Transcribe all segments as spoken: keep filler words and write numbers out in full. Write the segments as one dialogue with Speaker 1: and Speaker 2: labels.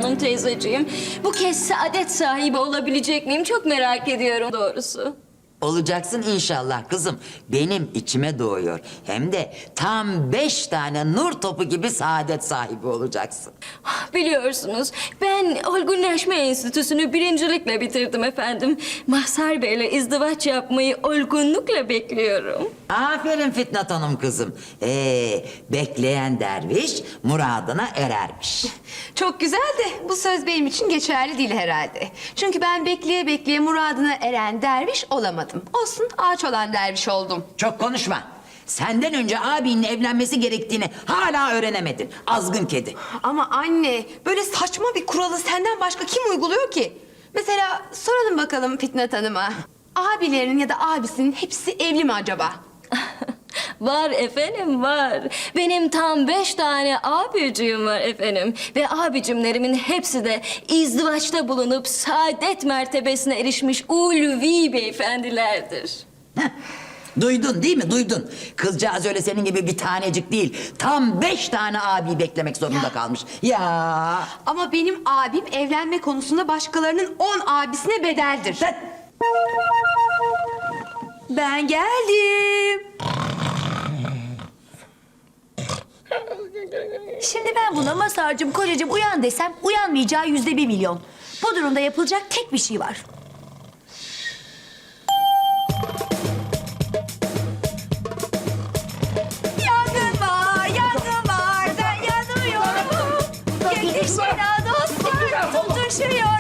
Speaker 1: Hanım teyzeciğim. Bu kez saadet sahibi olabilecek miyim? Çok merak ediyorum doğrusu.
Speaker 2: Olacaksın inşallah kızım. Benim içime doğuyor. Hem de tam beş tane nur topu gibi saadet sahibi olacaksın.
Speaker 1: Biliyorsunuz ben olgunlaşma enstitüsünü birincilikle bitirdim efendim. Mazhar Bey'le izdivaç yapmayı olgunlukla bekliyorum.
Speaker 2: Aferin Fitnat Hanım kızım. Ee, bekleyen derviş muradına erermiş.
Speaker 3: Çok güzel de bu söz benim için geçerli değil herhalde. Çünkü ben bekleye bekleye muradına eren derviş olamadım. Olsun, ağaç olan derviş oldum.
Speaker 2: Çok konuşma. Senden önce abinin evlenmesi gerektiğini hala öğrenemedin. Azgın kedi.
Speaker 3: Ama anne, böyle saçma bir kuralı senden başka kim uyguluyor ki? Mesela soralım bakalım Fitnat Hanım'a. Abilerinin ya da abisinin hepsi evli mi acaba?
Speaker 1: Var efendim var. Benim tam beş tane abicim var efendim. Ve abicimlerimin hepsi de izdivaçta bulunup saadet mertebesine erişmiş ulvi beyefendilerdir.
Speaker 2: Heh. Duydun değil mi? Duydun. Kızcağız öyle senin gibi bir tanecik değil. Tam beş tane abi beklemek zorunda kalmış. Ya.
Speaker 3: Ama benim abim evlenme konusunda başkalarının on abisine bedeldir.
Speaker 2: Sen...
Speaker 3: Ben geldim.
Speaker 4: Şimdi ben buna Mazhar'cığım, kocacığım uyan desem uyanmayacağı yüzde bir milyon. Bu durumda yapılacak tek bir şey var. Yangın var, yangın var, ben yanıyorum. Yetişin ha dostlar, tutuşuyorum.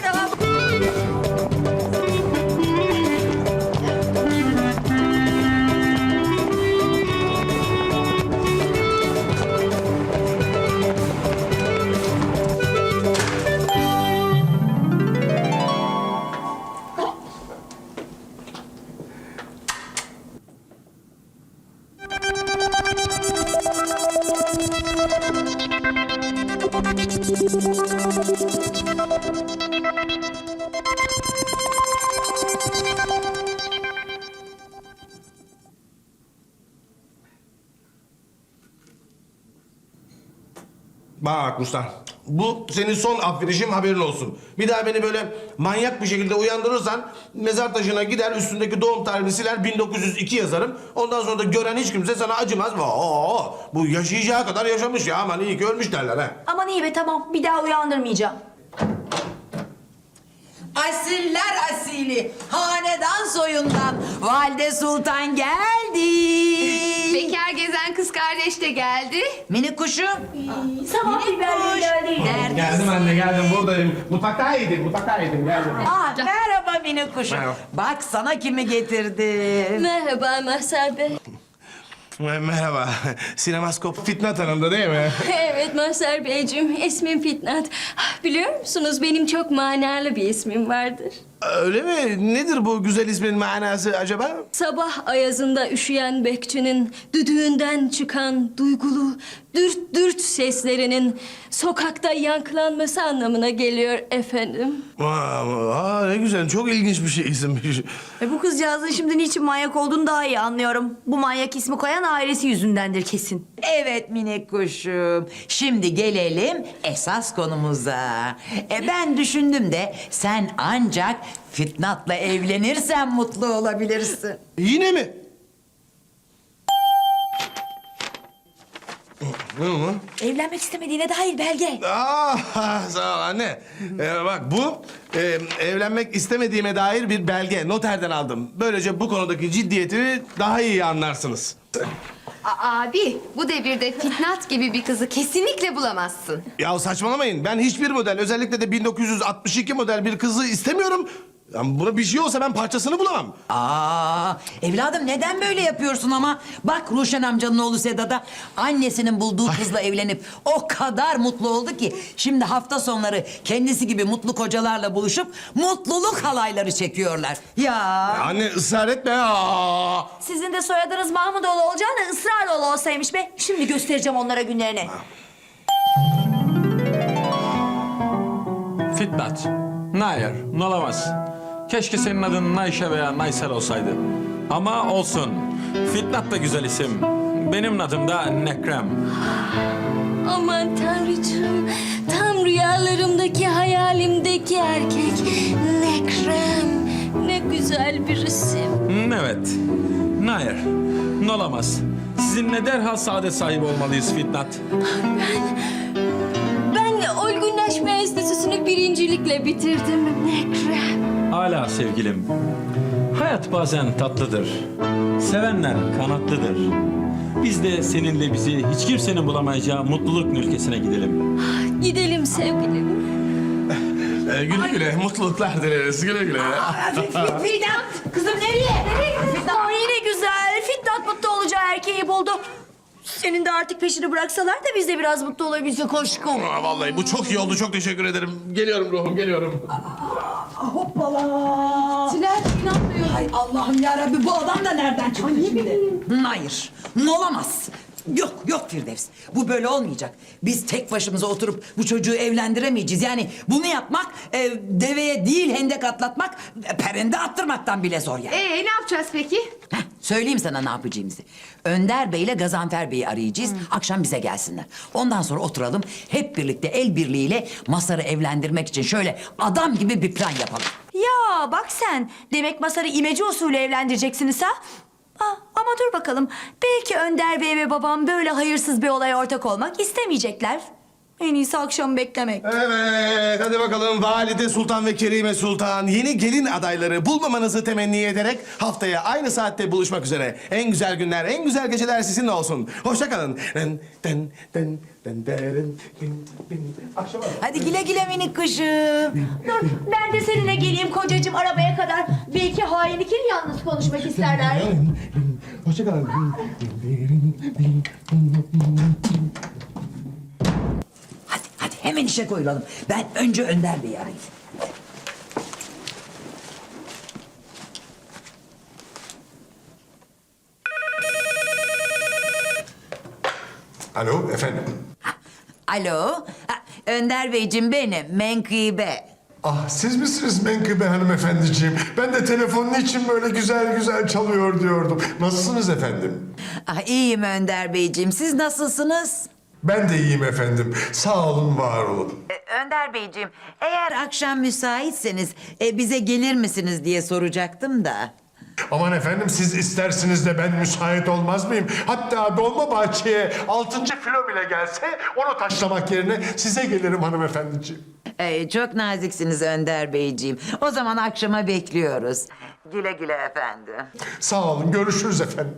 Speaker 5: Bak Ruslan, bu senin son affedişim, haberin olsun. Bir daha beni böyle manyak bir şekilde uyandırırsan mezar taşına gider, üstündeki doğum tarihini siler, bin dokuz yüz iki yazarım. Ondan sonra da gören hiç kimse sana acımaz. Oo, bu yaşayacağı kadar yaşamış ya, aman iyi ki ölmüş derler ha.
Speaker 4: Aman iyi be, tamam, bir daha uyandırmayacağım.
Speaker 2: Asiller asili, hanedan soyundan Valide Sultan geldi.
Speaker 3: Bekar gezen kız kardeş de geldi.
Speaker 2: Minik kuşum.
Speaker 4: Sabah biberleri geldi.
Speaker 2: Neredesin?
Speaker 5: Geldim anne, geldim, buradayım. Mutfaktaydım, mutfaktaydım, geldim.
Speaker 2: Aa, merhaba minik kuşum.
Speaker 5: Merhaba.
Speaker 2: Bak sana kimi getirdim.
Speaker 1: Merhaba Mazhar Bey.
Speaker 5: Merhaba, sinemaskop Fitnat Hanım'da değil mi?
Speaker 1: Evet Mazhar Beyciğim, ismim Fitnat. Biliyor musunuz benim çok manalı bir ismim vardır.
Speaker 5: Öyle mi? Nedir bu güzel ismin manası acaba?
Speaker 1: Sabah ayazında üşüyen bekçinin düdüğünden çıkan duygulu dürt dürt seslerinin sokakta yankılanması anlamına geliyor efendim.
Speaker 5: Aa, aa, ne güzel, çok ilginç bir şey isimmiş.
Speaker 4: E bu kızcağızın şimdi niçin manyak olduğunu daha iyi anlıyorum. Bu manyak ismi koyan ailesi yüzündendir kesin.
Speaker 2: Evet minik kuşum. Şimdi gelelim esas konumuza. E ben düşündüm de sen ancak Fitnat'la evlenirsen mutlu olabilirsin.
Speaker 5: Yine mi? Ne o?
Speaker 4: Evlenmek istemediğine dair belge.
Speaker 5: Aa, sağ ol anne. Ee, bak bu e, evlenmek istemediğime dair bir belge. Noterden aldım. Böylece bu konudaki ciddiyetimi daha iyi anlarsınız.
Speaker 3: A- abi, bu devirde Fitnat gibi bir kızı kesinlikle bulamazsın.
Speaker 5: Ya saçmalamayın. Ben hiçbir model, özellikle de bin dokuz yüz altmış iki model bir kızı istemiyorum. Yani buna bir şey olsa ben parçasını bulamam.
Speaker 2: Aa, evladım neden böyle yapıyorsun ama? Bak Ruşen amcanın oğlu Sedat'a annesinin bulduğu kızla evlenip o kadar mutlu oldu ki şimdi hafta sonları kendisi gibi mutlu kocalarla buluşup mutluluk halayları çekiyorlar. Ya.
Speaker 5: Anne ısrar etme. Aa.
Speaker 4: Sizin de soyadınız Mahmudoğlu olacağına ısraroğlu olsaymış be. Şimdi göstereceğim onlara günlerini.
Speaker 6: Fitnat. Hayır, olamaz. Keşke senin adın Nayşe veya Naysel olsaydı. Ama olsun. Fitnat da güzel isim. Benim adım da Nekrem.
Speaker 1: Aman Tanrıcığım, tam rüyalarımdaki, hayalimdeki erkek. Ne krem, ne güzel bir isim.
Speaker 6: Hmm, evet. Hayır. Olamaz. Sizinle derhal saadet sahibi olmalıyız Fitnat.
Speaker 1: Ben olgunlaşma enstitüsünü birincilikle bitirdim. Ne krem.
Speaker 6: Hala sevgilim. Hayat bazen tatlıdır. Sevenler kanatlıdır. Biz de seninle bizi hiç kimsenin bulamayacağı mutluluk ülkesine gidelim.
Speaker 1: Gidelim sevgilim.
Speaker 5: Ee, güle güle, mutluluklar dileriz. Güle güle.
Speaker 4: Fitnat! Kızım nereye? Nereye? Aa, yine güzel. Fitnat mutlu olacağı erkeği buldu. Senin de artık peşini bıraksalar da biz de biraz mutlu olabilsek aşkım.
Speaker 5: Aa, vallahi bu çok iyi oldu. Çok teşekkür ederim. Geliyorum ruhum, geliyorum.
Speaker 2: Hoppala.
Speaker 3: Tülay inanmıyorum.
Speaker 2: Hay Allah'ım yarabbi bu adam da nereden çıktı şimdi? Hayır, olamaz. Yok, yok Firdevs. Bu böyle olmayacak. Biz tek başımıza oturup bu çocuğu evlendiremeyeceğiz. Yani bunu yapmak e, deveye değil hendek atlatmak, e, perende attırmaktan bile zor yani.
Speaker 3: Ee ne yapacağız peki?
Speaker 2: Heh, söyleyeyim sana ne yapacağımızı. Önder Bey ile Gazanfer Bey'i arayacağız. Akşam bize gelsinler. Ondan sonra oturalım. Hep birlikte el birliğiyle Masar'ı evlendirmek için şöyle adam gibi bir plan yapalım.
Speaker 4: Ya bak sen. Demek Masar'ı imece usulü evlendireceksiniz ha? Ah, ama dur bakalım. Belki Önder Bey ve babam böyle hayırsız bir olaya ortak olmak istemeyecekler. En iyisi akşam beklemek.
Speaker 5: Evet, hadi bakalım Valide Sultan ve Kerime Sultan yeni gelin adayları bulmamanızı temenni ederek haftaya aynı saatte buluşmak üzere. En güzel günler, en güzel geceler sizinle olsun. Hoşça kalın. Den, den, den, den, derin, din, din. Akşama.
Speaker 2: Hadi güle güle minik kuşum.
Speaker 4: Dur ben de seninle geleyim kocacığım arabaya kadar. Belki hain ikili yalnız konuşmak isterler.
Speaker 5: Hoşça kalın.
Speaker 2: Hadi, hadi hemen işe koyulalım. Ben önce Önder Bey'i arayayım.
Speaker 7: Alo efendim.
Speaker 2: Alo, ha, Önder Beyciğim benim, Menkıbe.
Speaker 7: Ah siz misiniz Menkıbe hanımefendiciğim? Ben de telefonun için böyle güzel güzel çalıyor diyordum. Nasılsınız efendim?
Speaker 2: Ah, iyiyim Önder Beyciğim, siz nasılsınız?
Speaker 7: Ben de iyiyim efendim. Sağ olun, var olun.
Speaker 2: Önder Beyciğim, eğer akşam müsaitseniz e, bize gelir misiniz diye soracaktım da.
Speaker 7: Aman efendim siz istersiniz de ben müsait olmaz mıyım? Hatta Dolmabahçe'ye altıncı filo bile gelse onu taşlamak yerine size gelirim hanımefendiciğim.
Speaker 2: Ee, çok naziksiniz Önder Beyciğim. O zaman akşama bekliyoruz. Güle güle efendim.
Speaker 7: Sağ olun, görüşürüz efendim.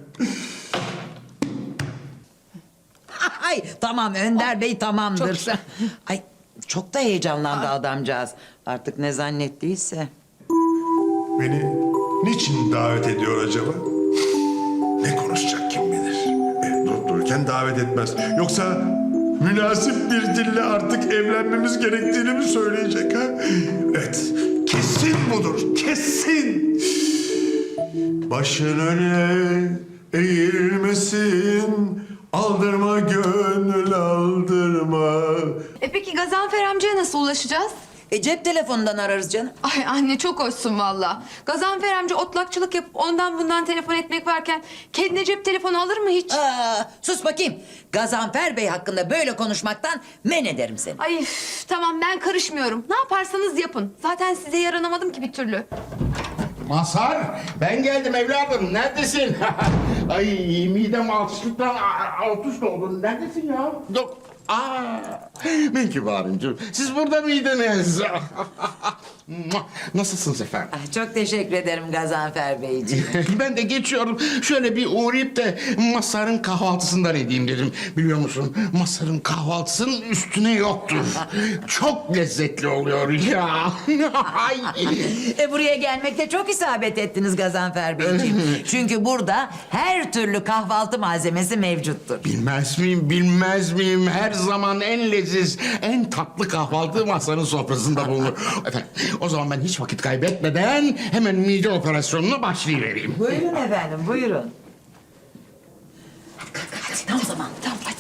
Speaker 2: Ay tamam Önder Bey tamamdır. Ay çok da heyecanlandı adamcağız. Artık ne zannettiyse.
Speaker 7: Beni niçin davet ediyor acaba? Ne konuşacak kim bilir? E, durup dururken davet etmez. Yoksa münasip bir dille artık evlenmemiz gerektiğini mi söyleyecek ha? Evet, kesin budur, kesin. Başın öne eğilmesin, aldırma gönül aldırma.
Speaker 3: E peki Gazanfer amcaya nasıl ulaşacağız?
Speaker 2: E, cep telefonundan ararız canım.
Speaker 3: Ay anne çok hoşsun valla. Gazanfer amca otlakçılık yapıp ondan bundan telefon etmek varken kendine cep telefonu alır mı hiç?
Speaker 2: Aa, sus bakayım. Gazanfer Bey hakkında böyle konuşmaktan men ederim seni.
Speaker 3: Ay üf, tamam ben karışmıyorum. Ne yaparsanız yapın. Zaten size yaranamadım ki bir türlü.
Speaker 8: Mazhar, ben geldim evladım. Neredesin? Ay midem altışlıktan alt üst oldu. Neredesin ya? Yok. Aa, Menkıbe Hanımcığım, siz burada mıydınız? Nasılsınız efendim?
Speaker 2: Ah, çok teşekkür ederim Gazanfer Beyciğim.
Speaker 8: Ben de geçiyorum. Şöyle bir uğrayıp da Mazhar'ın kahvaltısından edeyim dedim. Biliyor musun? Mazhar'ın kahvaltısının üstüne yoktur. Çok lezzetli oluyor ya. Ay.
Speaker 2: E, buraya gelmekte çok isabet ettiniz Gazanfer Beyciğim. Çünkü burada her türlü kahvaltı malzemesi mevcuttur.
Speaker 8: Bilmez miyim, bilmez miyim? Her zaman en leziz, en tatlı kahvaltı Mazhar'ın sofrasında bulunur. Efendim, o zaman ben hiç vakit kaybetmeden hemen mide operasyonuna başlayıvereyim.
Speaker 2: Buyurun efendim, buyurun. Hadi, hadi, tam zaman, tam hadi.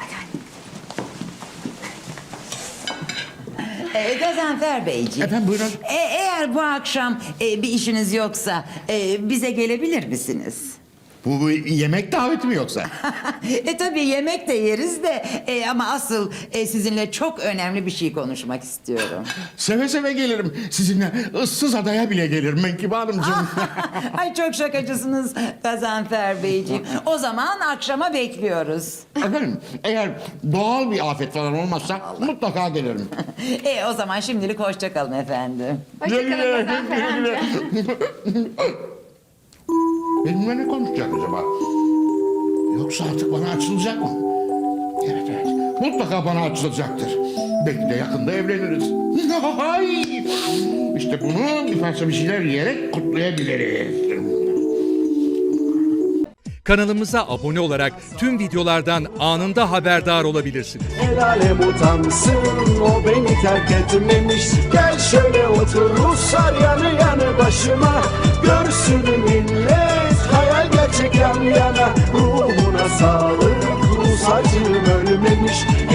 Speaker 2: Ee, Gazanfer Beyciğim.
Speaker 8: Efendim, buyurun.
Speaker 2: E, eğer bu akşam e, bir işiniz yoksa e, bize gelebilir misiniz?
Speaker 8: Bu, bu yemek daveti mi yoksa?
Speaker 2: E tabii yemek de yeriz de e, ama asıl e, sizinle çok önemli bir şey konuşmak istiyorum.
Speaker 8: Seve seve gelirim. Sizinle ıssız adaya bile gelirim Menkıbe Hanımcığım.
Speaker 2: Ay çok şakacısınız Gazanfer Beyciğim. O zaman akşama bekliyoruz.
Speaker 8: Efendim eğer doğal bir afet falan olmazsa mutlaka gelirim.
Speaker 2: E o zaman şimdilik hoşça kalın efendim.
Speaker 3: Hoşçakalın Gazanfer amca.
Speaker 8: Benimle ne konuşacak acaba? Yoksa artık bana açılacak mı? Evet evet. Mutlaka bana açılacaktır. Belki de yakında evleniriz. Hay! İşte bunu bir parça bir şeyler yiyerek kutlayabiliriz.
Speaker 9: Kanalımıza abone olarak tüm videolardan anında haberdar olabilirsiniz.
Speaker 10: El alem utansın, o beni terk etmemiş. Gel şöyle otur Ruslar yanı yanı başıma. Görsün millet, hayal gerçek yan yana. Ruhuna sağlık, Rus acım ölmemiş.